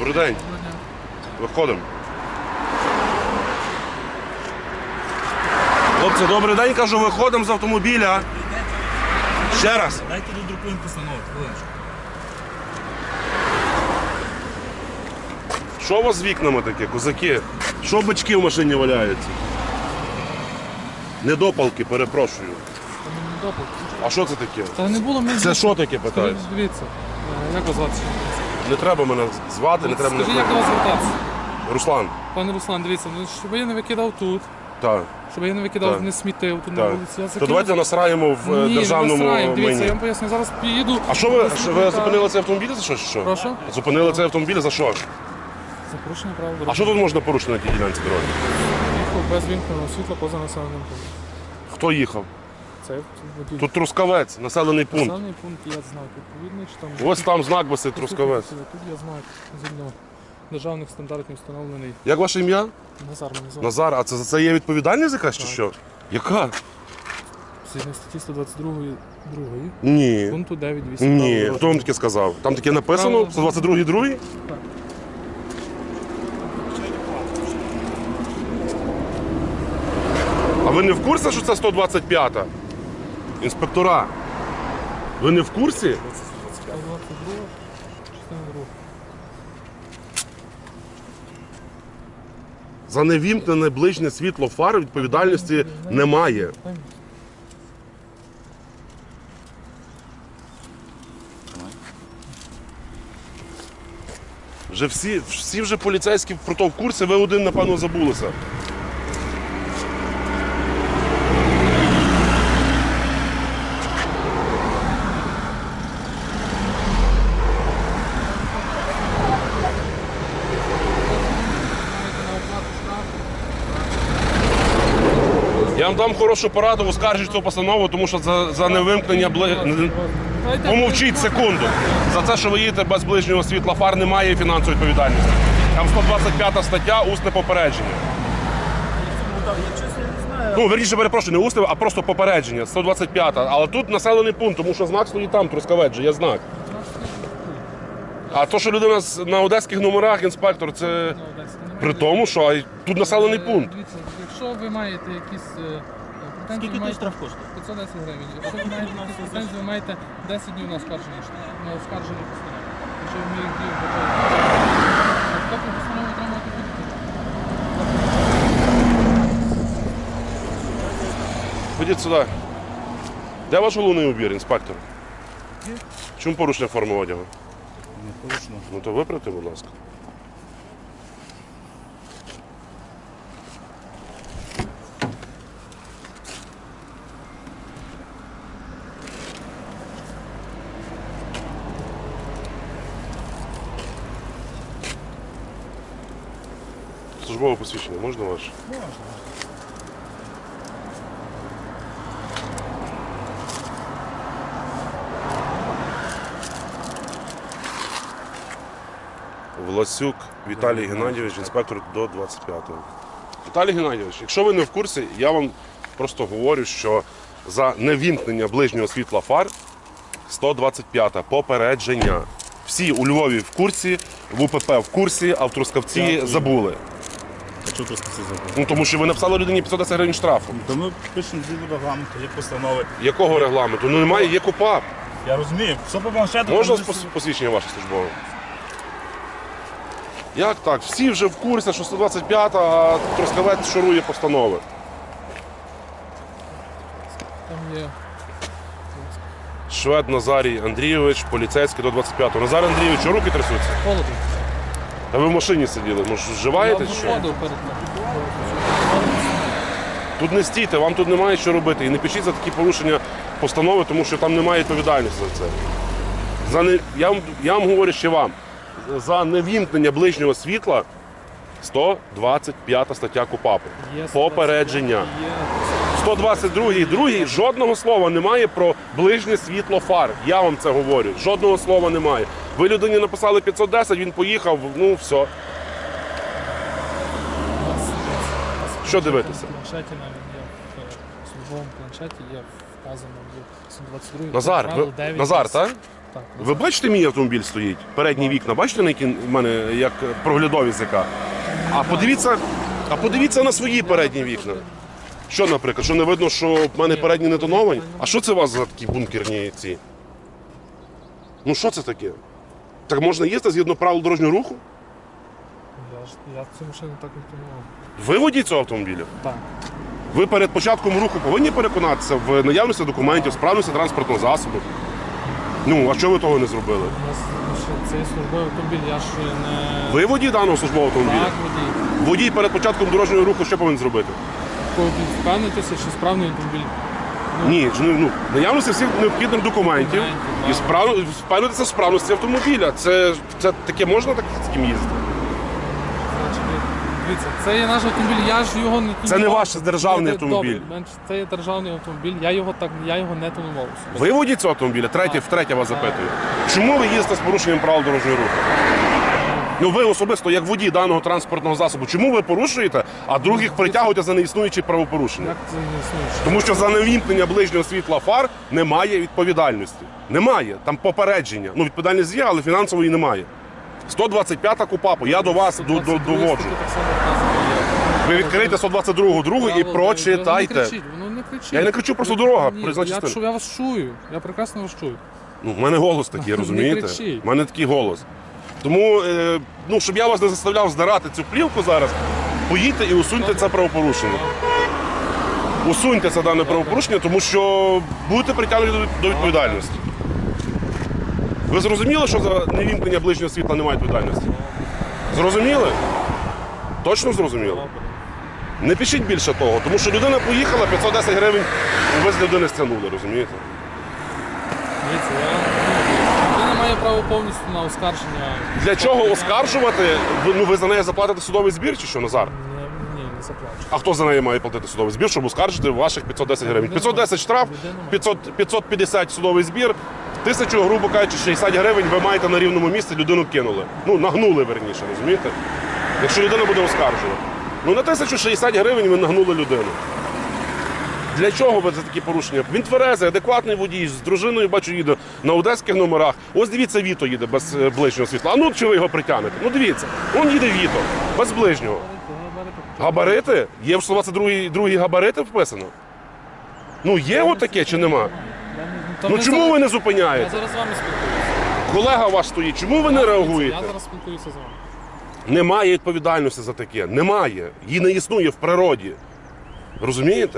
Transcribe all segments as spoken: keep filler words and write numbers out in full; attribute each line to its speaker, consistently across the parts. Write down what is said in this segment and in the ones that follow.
Speaker 1: Добрий день. Виходимо. Хлопці, добрий день, кажу, виходимо з автомобіля. Ще раз.
Speaker 2: Дайте додрукуємо постанову, хвилиночку.
Speaker 1: Що у вас з вікнами таке, козаки? Що бички в машині валяються? Недопалки, перепрошую. А що це таке?
Speaker 3: Та не було мені.
Speaker 1: Це що таке, питаю?
Speaker 3: Дивіться, як вас звати?
Speaker 1: Не треба мене звати, не треба мене
Speaker 3: Скажіть, як до вас звертатися?
Speaker 1: Руслан.
Speaker 3: Пане Руслан, дивіться, ну, щоб я не викидав тут,
Speaker 1: Так.
Speaker 3: щоб я не викидав,
Speaker 1: Так.
Speaker 3: не смітив тут на
Speaker 1: Так.
Speaker 3: вулиці. Я
Speaker 1: То давайте насраємо в е,
Speaker 3: Ні,
Speaker 1: державному
Speaker 3: не насраємо. Дивіться,
Speaker 1: майні.
Speaker 3: я вам поясню, зараз під'їду.
Speaker 1: А що ви, що ви зупинили цей автомобіль за що? чи що?
Speaker 3: Прошу?
Speaker 1: Зупинили цей автомобіль за що?
Speaker 3: За порушення правил
Speaker 1: А
Speaker 3: дороги.
Speaker 1: що тут можна порушити на тій ділянці дороги?
Speaker 3: Їхав без вімкненого світла поза населеним пунктом.
Speaker 1: Хто їхав?
Speaker 3: Це водій.
Speaker 1: Тут Трускавець, населений пункт.
Speaker 3: Населений пункт є знак відповідний, чи там...
Speaker 1: Ось там знак висить Трускавець.
Speaker 3: Тут є знак, згідно державних стандартів встановлений.
Speaker 1: Як ваше ім'я?
Speaker 3: Назар мене звати.
Speaker 1: Назар, а це за це є відповідальність якась чи що? Яка?
Speaker 3: Згідно статті сто двадцять другої
Speaker 1: Ні.
Speaker 3: пункту дев'ять вісім.
Speaker 1: Ні. Хто вам таке сказав? Там таке написано? сто двадцять другий другий?
Speaker 3: Так.
Speaker 1: А ви не в курсі, що це сто двадцять п'ята? Інспектора. Ви не в курсі?
Speaker 3: сто двадцять друга, частина друга.
Speaker 1: За невімкнене ближнє світло фар відповідальності немає. Вже всі, всі вже поліцейські про то в курсі, ви один, напевно, забулися. Я вам дам хорошу пораду, оскаржіть цю постанову, тому що за, за невимкнення бли... Помовчіть секунду. За це, що ви їдете без ближнього світла фар, немає фінансової відповідальності. Там сто двадцять п'ята стаття, усне попередження. Ну, верніше, перепрошую, не усне, а просто попередження. сто двадцять п'ята. Але тут населений пункт, тому що знак стоїть там, Трускавець же, є знак. А то, що людина з- на одеських номерах, інспектор, це при тому, що а, тут населений пункт.
Speaker 3: Дивіться, якщо ви маєте якісь е, претензії,
Speaker 2: Скільки
Speaker 3: маєте
Speaker 2: тут штраф коштує?
Speaker 3: п'ятсот десять гривень. Якщо ви маєте якісь претензії, ви маєте десять днів на оскарження штрафу, на оскарження постанови. Якщо ви їх дію вважаєте. Тобто постанову отримувати будете.
Speaker 1: Ходіть сюди. Де ваш головний убір, інспектор? Чому порушення форми одягу?
Speaker 2: Не порушено.
Speaker 1: Ну то виправте, будь ласка. Службове посвідчення можна ваше?
Speaker 2: Можна.
Speaker 1: Власюк Віталій Геннадійович, інспектор до двадцять п'ятого. Віталій Геннадійович, якщо ви не в курсі, я вам просто говорю, що за невімкнення ближнього світла фар сто двадцять п'ята попередження. Всі у Львові в курсі, в УПП в курсі, а в Трускавці
Speaker 2: Дякую.
Speaker 1: забули.
Speaker 2: А чого просто всі забули?
Speaker 1: Ну тому що ви написали людині п'ятсот десять гривень штрафу.
Speaker 2: То ми пишемо згідно регламенту, є постанови.
Speaker 1: Якого регламенту? Ну немає, є КУПАП.
Speaker 2: Я розумію, все по планшету.
Speaker 1: Можна
Speaker 2: там
Speaker 1: пос- посвідчення ваше службове? Як так? Всі вже в курсі, що сто двадцять п'ята, а Трускавець шурує постанови.
Speaker 3: Там є.
Speaker 1: Швед Назарій Андрійович, поліцейський до двадцять п'ятого. Назар Андрійович, що руки трясуться?
Speaker 3: Холодно.
Speaker 1: Та ви в машині сиділи, може вживаєте чи що?
Speaker 3: Воду перед нами.
Speaker 1: Тут не стійте, вам тут немає що робити. І не пишіть за такі порушення постанови, тому що там немає відповідальності за це. За не... я, вам, я вам говорю ще вам. За невімкнення ближнього світла сто двадцять п'ята стаття КУПАПу.
Speaker 3: Є
Speaker 1: Попередження.
Speaker 3: Є.
Speaker 1: сто двадцять другий, другий, жодного слова немає про ближнє світло фар. Я вам це говорю. Жодного слова немає. Ви людині написали п'ятсот десять, він поїхав, ну все. Що дивитися?
Speaker 3: В планшеті навіть є. службовому планшеті є вказано в сто двадцять другий.
Speaker 1: Назар,
Speaker 3: правило
Speaker 1: ви,
Speaker 3: дев'ять
Speaker 1: Назар,
Speaker 3: десять.
Speaker 1: так?
Speaker 3: Так,
Speaker 1: Ви бачите, мій автомобіль стоїть? Передні вікна, бачите, на які в мене як проглядові зика? А подивіться, а подивіться на свої передні вікна. Що, наприклад, що не видно, що в мене передні не тоновані? А що це у вас за такі бункерні ці? Ну що це таке? Так можна їздити згідно правил дорожнього руху?
Speaker 3: Я, ж, я цю машину так не тонував.
Speaker 1: Ви водій цього автомобіля?
Speaker 3: Так.
Speaker 1: Ви перед початком руху повинні переконатися в наявності документів, справності транспортного засобу. Ну, а чого ви того не зробили?
Speaker 3: У нас ще цей службовий автомобіль, я ж не...
Speaker 1: Ви водій даного службового автомобіля?
Speaker 3: Так, водій.
Speaker 1: Водій перед початком дорожнього руху що повинен зробити?
Speaker 3: Впевнитися, чи справний автомобіль.
Speaker 1: Ні, ж, ну, наявності всіх необхідних документів
Speaker 3: Документів,
Speaker 1: і
Speaker 3: так.
Speaker 1: справ... впевнитися в справності автомобіля. Це, це таке можна так з ким їздити?
Speaker 3: Значить, дивіться, це є наш автомобіль, я ж його не тонував.
Speaker 1: Це не ваш державний
Speaker 3: Добре,
Speaker 1: автомобіль.
Speaker 3: менш- Це є державний автомобіль, я його так, я його не тонував. особисто.
Speaker 1: Ви водій цього автомобіля? Третє,
Speaker 3: Так.
Speaker 1: втретє вас запитую. Чому ви їздите з порушенням правил дорожнього руху? Ну ви особисто, як водій даного транспортного засобу, чому ви порушуєте, а других притягуєте за неіснуючі правопорушення?
Speaker 3: Як це не існує?
Speaker 1: Тому що за невімкнення ближнього світла фар немає відповідальності. Немає. Там попередження. Ну, відповідальність є, але фінансової немає. сто двадцять п'ята КУПАПу. Я до вас до- до-
Speaker 3: сто двадцять другий
Speaker 1: доводжу.
Speaker 3: статті так само вказано.
Speaker 1: Ви відкрийте сто двадцять другу другу і
Speaker 3: Правило, Воно
Speaker 1: прочитайте.
Speaker 3: не кричить, воно не кричить.
Speaker 1: Я не кричу, просто дорога,
Speaker 3: Ні,
Speaker 1: проїзна
Speaker 3: я,
Speaker 1: частина.
Speaker 3: чую, я вас чую, я прекрасно вас чую.
Speaker 1: Ну, в мене голос такий,
Speaker 3: Не
Speaker 1: розумієте?
Speaker 3: кричіть.
Speaker 1: У мене такий голос. Тому, е, ну, щоб я вас не заставляв здирати цю плівку зараз, поїдьте і усуньте це правопорушення. Усуньте це дане правопорушення, тому що будете притягнуті до- до відповідальності. Ви зрозуміли, що за невімкнення ближнього світла немає відповідальності? Зрозуміли? Точно зрозуміли? Не пишіть більше того, тому що людина поїхала, п'ятсот десять гривень ви з людини стягнули, розумієте?
Speaker 3: Дивіться, я, людина має право повністю на оскарження.
Speaker 1: Для чого оскаржувати? Ви, ну, ви за неї заплатите судовий збір чи що, Назар?
Speaker 3: Ні, ні, не заплачу.
Speaker 1: А хто за неї має платити судовий збір, щоб оскаржити ваших п'ятсот десять гривень? п'ятсот десять штраф, п'ятсот, п'ятсот п'ятдесят судовий збір, тисячу, грубо кажучи, шістдесят гривень ви маєте на рівному місці, людину кинули. Ну, нагнули, верніше, розумієте? Якщо людина буде оскаржувати. Ну, на тисячу шістдесят гривень ви нагнули людину. Для чого ви за такі порушення? Він тверезий, адекватний водій, з дружиною, бачу, їде на одеських номерах. Ось дивіться, Віто їде без е, ближнього світла. А ну, чи ви його притягнете? Ну, дивіться, он їде Віто, без ближнього. Габарити? Є в сто двадцять другій другій габарити вписано? Ну, є отаке чи нема? Ну, чому ви не
Speaker 3: Я
Speaker 1: зупиняєте?
Speaker 3: зараз з вами спілкуюся.
Speaker 1: Колега ваш стоїть, чому ви не реагуєте?
Speaker 3: Я зараз спілкуюся з вами.
Speaker 1: Немає відповідальності за таке. Немає. Її не існує в природі. Розумієте?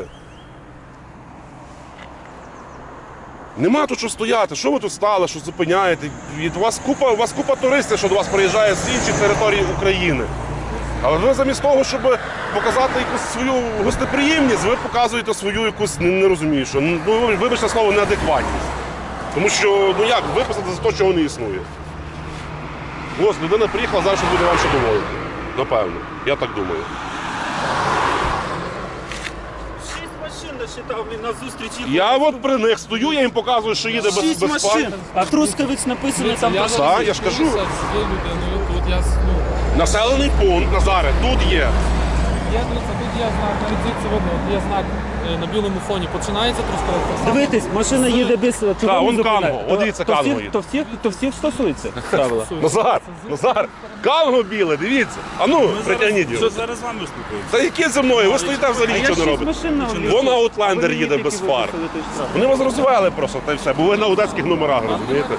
Speaker 1: Нема тут що стояти. Що ви тут стали, що зупиняєте? Від вас купа, у вас купа туристів, що до вас приїжджає з інших територій України. Але ви замість того, щоб показати якусь свою гостеприємність, ви показуєте свою якусь, не, не розумію, що, ну, вибачте слово, неадекватність. Тому що, ну як, виписати за те, чого не існує. Ось, людина приїхала, зараз буде вам ще доводити. Напевно. Я так думаю.
Speaker 2: Шість машин насчитав мені на зустрічі.
Speaker 1: Я от при них стою, я їм показую, що їде без,
Speaker 2: Шість
Speaker 1: без
Speaker 2: машин.
Speaker 1: фар.
Speaker 2: А Трускавець написано там.
Speaker 3: я
Speaker 2: про-
Speaker 3: зараз
Speaker 1: Так, я ж кажу.
Speaker 3: спілкуюся з цією людиною, тут я, ну,
Speaker 1: Населений пункт, Назаре, тут є.
Speaker 3: є, дивіться, тут є знак, навіть звідси видно, от є знак е, на білому фоні. Починається Трускавець.
Speaker 4: Дивитись, машина їде без чого
Speaker 1: Так,
Speaker 4: не
Speaker 1: вон
Speaker 4: зупиняє?
Speaker 1: Канго, от дивіться,
Speaker 4: то
Speaker 1: Канго
Speaker 4: всіх,
Speaker 1: їде.
Speaker 4: то всіх, то всіх стосується правила.
Speaker 1: Назар, Назар, канго біле, дивіться. А ну, притягніть
Speaker 2: Що
Speaker 1: його.
Speaker 2: зараз з вами спілкуємося?
Speaker 1: Та яке зі мною? Ви стоїте
Speaker 4: А
Speaker 1: взагалі
Speaker 4: я
Speaker 1: нічого не
Speaker 4: шість
Speaker 1: робите.
Speaker 4: машин на обліку.
Speaker 1: Вон Аутлендер
Speaker 4: Ви
Speaker 1: їде
Speaker 4: мені
Speaker 1: без
Speaker 4: тільки
Speaker 1: фар.
Speaker 4: виписали той штраф.
Speaker 1: Вони вас розвели просто, та й все, бо ви на одеських номерах, розумієте?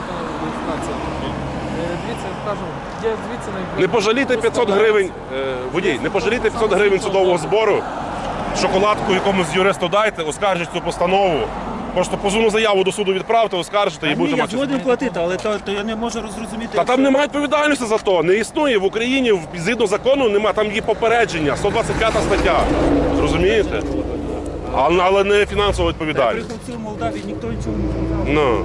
Speaker 3: Дивіться, я кажу, є звідси найближче.
Speaker 1: Не пожалійте п'ятсот гривень, е, водій, не пожалійте п'ятсот гривень судового збору, шоколадку якомусь юристу дайте, оскаржіть цю постанову. Просто позовну заяву до суду відправте, оскаржите і
Speaker 4: Ні,
Speaker 1: будете
Speaker 4: я
Speaker 1: мати.
Speaker 4: згоден платити, але то, то я не можу розрозуміти.
Speaker 1: Та там немає відповідальності за то. Не існує в Україні в- згідно закону, нема, там є попередження, сто двадцять п'ята стаття. Розумієте? Але, але не фінансова відповідальність.
Speaker 4: Приїхав в Молдавії, ніхто нічого не сказав.
Speaker 1: Ну.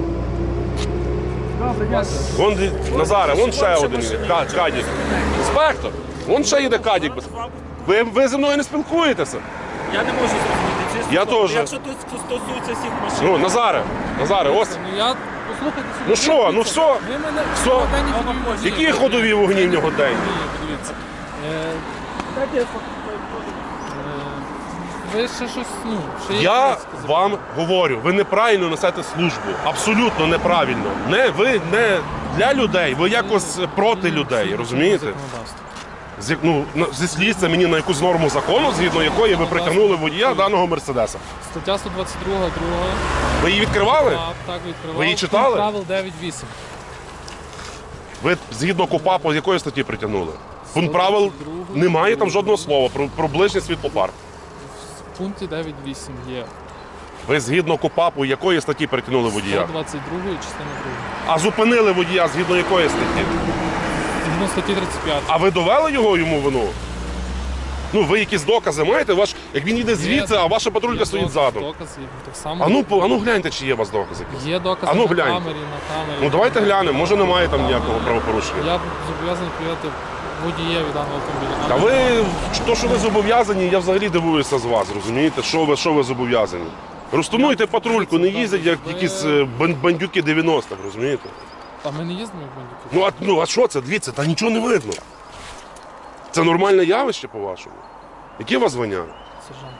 Speaker 1: Вон дві- Назаре, вон ще один їде, Ка- Кадік. Інспектор, вон ще їде Кадік. без- Ви, ви зі мною не спілкуєтеся?
Speaker 4: Я не можу зрозуміти. чесно.
Speaker 1: Я теж.
Speaker 4: Якщо тут стосується всіх машин.
Speaker 1: Ну, Назаре, Назаре, ось.
Speaker 3: Ну я, послухайте собі.
Speaker 1: Ну що, ну
Speaker 3: дивіться,
Speaker 1: що?
Speaker 3: Ви мене
Speaker 1: Що?
Speaker 3: годинні ходові вогні.
Speaker 1: Які ходові вогні в нього день?
Speaker 3: Ні, подивіться. Е,
Speaker 4: Дайте я фото-
Speaker 3: ви ще щось, ну, ще є
Speaker 1: Я
Speaker 3: якісь сказати?
Speaker 1: вам говорю, ви неправильно несете службу. Абсолютно неправильно. Не ви не для людей, ви якось проти людей, розумієте?
Speaker 3: Законодавство.
Speaker 1: З, як- ну, на- зі слідства мені на якусь норму закону, згідно якої ви притягнули водія даного Мерседеса.
Speaker 3: Стаття сто двадцять два, друга.
Speaker 1: Ви її відкривали?
Speaker 3: Так, так, відкривав.
Speaker 1: Ви її читали?
Speaker 3: Пункт правил дев'ять вісім.
Speaker 1: Ви згідно КУПАПу з якої статті притягнули? Пункт правил немає там жодного слова про, про ближнє світлофар.
Speaker 3: В пункті дев'ять вісім є.
Speaker 1: Ви згідно КУПАПу якої статті притягнули водія?
Speaker 3: сто двадцять два, частина друга.
Speaker 1: А зупинили водія згідно якої статті?
Speaker 3: Згідно статті тридцять п'ять.
Speaker 1: А ви довели його йому вину? Ну, ви якісь докази маєте? Ваш, як він йде звідси, а ваша патрулька стоїть ззаду.
Speaker 3: Докази, так само.
Speaker 1: А ну, по- а ну гляньте, чи є у вас докази якісь.
Speaker 3: Є докази
Speaker 1: А ну,
Speaker 3: на
Speaker 1: гляньте.
Speaker 3: камері, на камері.
Speaker 1: Ну давайте глянемо, може немає там ніякого правопорушення.
Speaker 3: Я зобов'язаний прийняти водієві даного автомобіля.
Speaker 1: Та ви, то, що ви зобов'язані, я взагалі дивуюся з вас, розумієте? Що ви, що ви зобов'язані? Розтонуйте патрульку, не їздять як якісь е, бан- бандюки дев'яностих, розумієте?
Speaker 3: А ми не їздимо в бандюки.
Speaker 1: Ну а, ну, а що це? Дивіться, та нічого не видно. Це нормальне явище, по-вашому? Яке у вас звання?
Speaker 3: Сержант.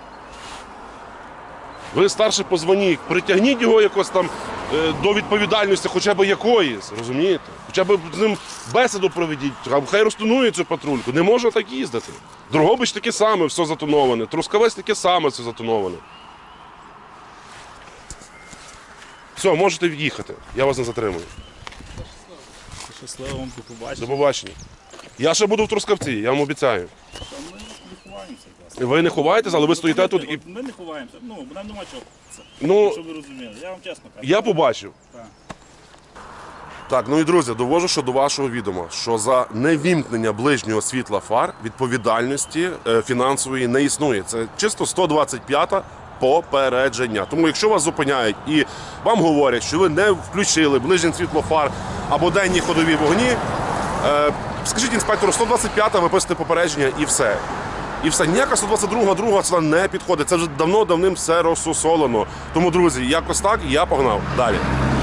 Speaker 1: Ви старший по званні, притягніть його якось там е, до відповідальності хоча б якоїсь, розумієте? Хоча б з ним бесіду проведіть, а хай розтонує цю патрульку. Не можна так їздити. Дрогобич таке саме, все затоноване. Трускавець таке саме, все затоноване. Все, можете їхати. Я вас не затримую.
Speaker 4: Щасливо вам
Speaker 1: До
Speaker 4: побачити.
Speaker 1: побачення. Я ще буду в Трускавці, я вам обіцяю.
Speaker 4: Ми не ховаємося, власне.
Speaker 1: Ви не ховаєтесь, але ви стоїте тут і.
Speaker 4: Ми не ховаємося. Ну, нам нема чого. Це,
Speaker 1: Ну,
Speaker 4: щоб ви розуміли. Я вам чесно кажу.
Speaker 1: я побачив.
Speaker 4: Так.
Speaker 1: Так, ну і друзі, довожу що до вашого відома, що за невімкнення ближнього світла фар відповідальності е, фінансової не існує. Це чисто сто двадцять п'ята попередження. Тому якщо вас зупиняють і вам говорять, що ви не включили ближнє світло фар або денні ходові вогні, е, скажіть інспектору, сто двадцять п'ята, виписуйте попередження і все. І все, ніяка сто двадцять друга, друга це не підходить. Це вже давно-давним все розсусолено. Тому, друзі, якось так, я погнав. Далі.